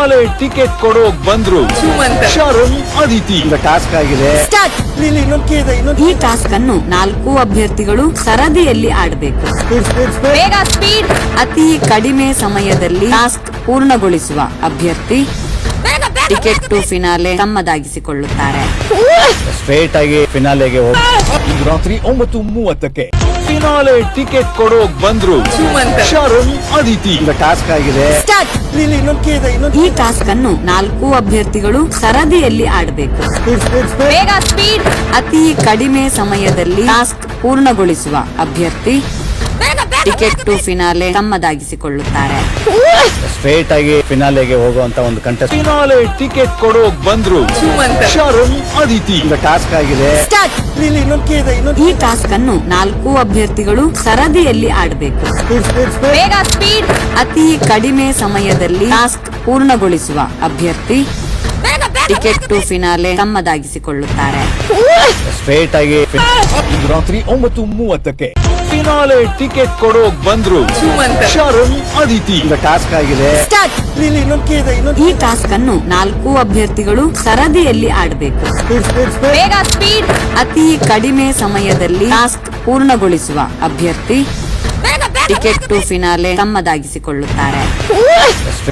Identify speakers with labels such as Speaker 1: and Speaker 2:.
Speaker 1: Finale ticket ಕೊಡೋಕ್ ಬಂದ್ರು Sharan Aditi.
Speaker 2: Task ಆಗಿದೆ.
Speaker 3: ಈ ಟಾಸ್ಕ್ ಅನ್ನು 4 ಅಭ್ಯರ್ಥಿಗಳು ಸರದಿಯಲ್ಲಿ ಆಡಬೇಕು.
Speaker 4: ಬೇಗ ಸ್ಪೀಡ್.
Speaker 3: ಅತಿ ಕಡಿಮೆ ಸಮಯದಲ್ಲಿ ಟಾಸ್ಕ್ ಪೂರ್ಣಗೊಳಿಸುವ ಅಭ್ಯರ್ಥಿ ಟಿಕೆಟ್ ಟು ಫಿನಾಲೆ ತಮ್ಮದಾಗಿಸಿಕೊಳ್ಳುತ್ತಾರೆ.
Speaker 2: ಸ್ಟ್ರೇಟ್ ಆಗಿ ಫಿನಾಲೆಗೆ ಹೋಗಿ
Speaker 1: ಇಂದು ರಾತ್ರಿ 9:30ಕ್ಕೆ ಫಿನಾಲೆ ಟಿಕೆಟ್ ಕೊಡೋಕ್ ಬಂದ್ರು ಶರಣ್ ಅದಿತಿ.
Speaker 2: ಟಾಸ್ಕ್ ಆಗಿದೆ.
Speaker 3: ಈ ಟಾಸ್ಕ್ ಅನ್ನು 4 ಅಭ್ಯರ್ಥಿಗಳು ಸರದಿಯಲ್ಲಿ ಆಡಬೇಕು.
Speaker 4: ಬೇಗ ಸ್ಪೀಡ್.
Speaker 3: ಅತಿ ಕಡಿಮೆ ಸಮಯದಲ್ಲಿ ಟಾಸ್ಕ್ ಪೂರ್ಣಗೊಳಿಸುವ ಅಭ್ಯರ್ಥಿ ಟಿಕೆಟ್ ಟು ಫಿನಾಲೆ ತಮ್ಮದಾಗಿಸಿಕೊಳ್ಳುತ್ತಾರೆ.
Speaker 2: ಸ್ಟ್ರೇಟ್ ಆಗಿ ಫಿನಾಲೆಗೆ ಹೋಗುವಂತ ಒಂದು ಕಂಟೆಸ್ಟ್.
Speaker 1: ಫಿನಾಲೆ ಟಿಕೆಟ್ ಕೊಡೋಕ್ ಬಂದ್ರು ಶರಣ್ ಅದಿತಿ.
Speaker 2: ಟಾಸ್ಕ್ ಆಗಿದೆ.
Speaker 3: ಈ ಟಾಸ್ಕ್ ಅನ್ನು 4 ಅಭ್ಯರ್ಥಿಗಳು ಸರದಿಯಲ್ಲಿ ಆಡಬೇಕು.
Speaker 4: ಬೇಗ ಸ್ಪೀಡ್.
Speaker 3: ಅತಿ ಕಡಿಮೆ ಸಮಯದಲ್ಲಿ ಟಾಸ್ಕ್ ಪೂರ್ಣಗೊಳಿಸುವ ಅಭ್ಯರ್ಥಿ ಟಿಕೆಟ್ ಟು ಫಿನಾಲೆ ತಮ್ಮದಾಗಿಸಿಕೊಳ್ಳುತ್ತಾರೆ.
Speaker 2: ಸ್ಟ್ರೇಟ್ ಆಗಿ
Speaker 1: ಇಂದು ರಾತ್ರಿ 9:30ಕ್ಕೆ ಫಿನಾಲೆ ಟಿಕೆಟ್ ಕೊಡೋಕ್ ಬಂದ್ರು ಶರಣ್ ಅದಿತಿ.
Speaker 2: ಟಾಸ್ಕ್ ಆಗಿದೆ.
Speaker 3: ಈ ಟಾಸ್ಕ್ ಅನ್ನು 4 ಅಭ್ಯರ್ಥಿಗಳು ಸರದಿಯಲ್ಲಿ ಆಡಬೇಕು.
Speaker 4: ಬೇಗ ಸ್ಪೀಡ್.
Speaker 3: ಅತಿ ಕಡಿಮೆ ಸಮಯದಲ್ಲಿ ಟಾಸ್ಕ್ ಪೂರ್ಣಗೊಳಿಸುವ ಅಭ್ಯರ್ಥಿ ಟಿಕೆಟ್ ಟು ಫಿನಾಲೆ ತಮ್ಮದಾಗಿಸಿಕೊಳ್ಳುತ್ತಾರೆ.